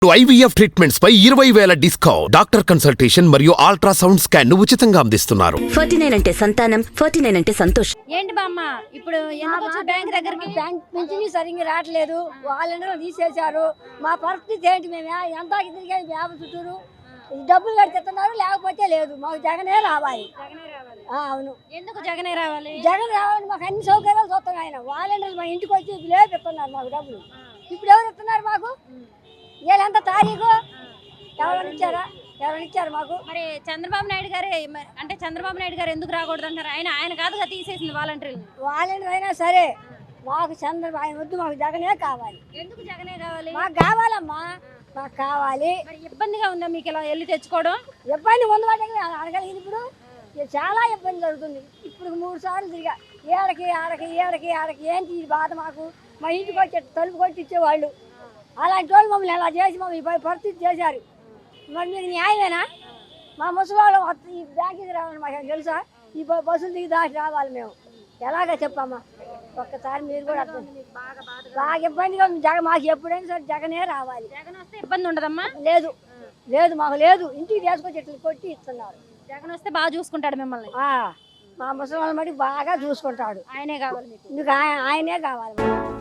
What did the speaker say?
IVF treatments పై 20,000 discount. Doctor consultation మరియు ultrasound scan ను ఉచితంగా అందిస్తున్నారు. 49 అంటే సంతానం, 49 అంటే సంతోషం. ఏంటి బామ్మ ఇప్పుడు ఎందుకు వచ్చి బ్యాంక్ దగ్గరికి? బ్యాంక్ నుంచి సరిగ్గా రావట్లేదు, వాళ్ళందరూ తీసేశారు. మా పరిస్థితి ఏంటి? మేము ఎంత తిరిగి వ్యాపార చుట్టూరు డబ్బులు కడితేస్తున్నారు, లేకపోతే లేదు. మాకు జగనే రావాలి. అవును, ఎందుకు జగనే రావాలి? జగన్ రావాలి. మాకు అన్ని సౌకర్యాలు చూస్తాం. ఆయన వాళ్ళందరూ మా ఇంటికి వచ్చి లేపిస్తున్నారు మాకు డబ్బులు. ఇప్పుడు ఎవరు ఇస్తున్నారు మాకు? వీళ్ళంత తారీఖు ఎవరైనా ఇచ్చారు మాకు? మరి చంద్రబాబు నాయుడు గారే అంటే చంద్రబాబు నాయుడు గారు ఎందుకు రాకూడదు అంటారు? ఆయన కాదుగా తీసేసింది వాలంటీర్లు. వాలంటీర్ అయినా సరే మాకు ఆయన వద్దు, మాకు జగనే కావాలి. ఎందుకు జగనే కావాలి? మాకు కావాలమ్మా, మాకు కావాలి. మరి ఇబ్బందిగా ఉందా మీకు ఇలా వెళ్ళి తెచ్చుకోవడం? ఇబ్బంది ముందు వాటికి అడగలేదు. ఇప్పుడు చాలా ఇబ్బంది జరుగుతుంది. ఇప్పుడు 3 సార్లు తిరిగా ఏడకి ఏంటి ఈ బాధ మాకు? మా ఇంటికి వచ్చి తలుపు కొట్టి ఇచ్చేవాళ్ళు. అలాంటి వాళ్ళు మమ్మల్ని ఎలా చేసి మమ్మల్ని పరిస్థితి చేశారు. మరి మీకు న్యాయమేనా? మా ముసలివాళ్ళు ఈ బ్యాంకుకి రావాలి, మాకు తెలుసా? ఈ బస్సులు దిగి దాటి రావాలి మేము. ఎలాగ చెప్పమ్మా? ఒక్కసారి మీరు కూడా బాగా ఇబ్బందిగా ఉంది. మాకు ఎప్పుడైనా సరే జగనే రావాలి. జగన్ వస్తే ఇబ్బంది ఉండదమ్మా? లేదు మాకు లేదు. ఇంటికి తీసుకొచ్చి ఇట్లా కొట్టి ఇస్తున్నారు. జగన్ వస్తే బాగా చూసుకుంటాడు మిమ్మల్ని. మా ముసలి వాళ్ళ మటుకు బాగా చూసుకుంటాడు. ఆయనే కావాలి మీకు ఆయనే కావాలి.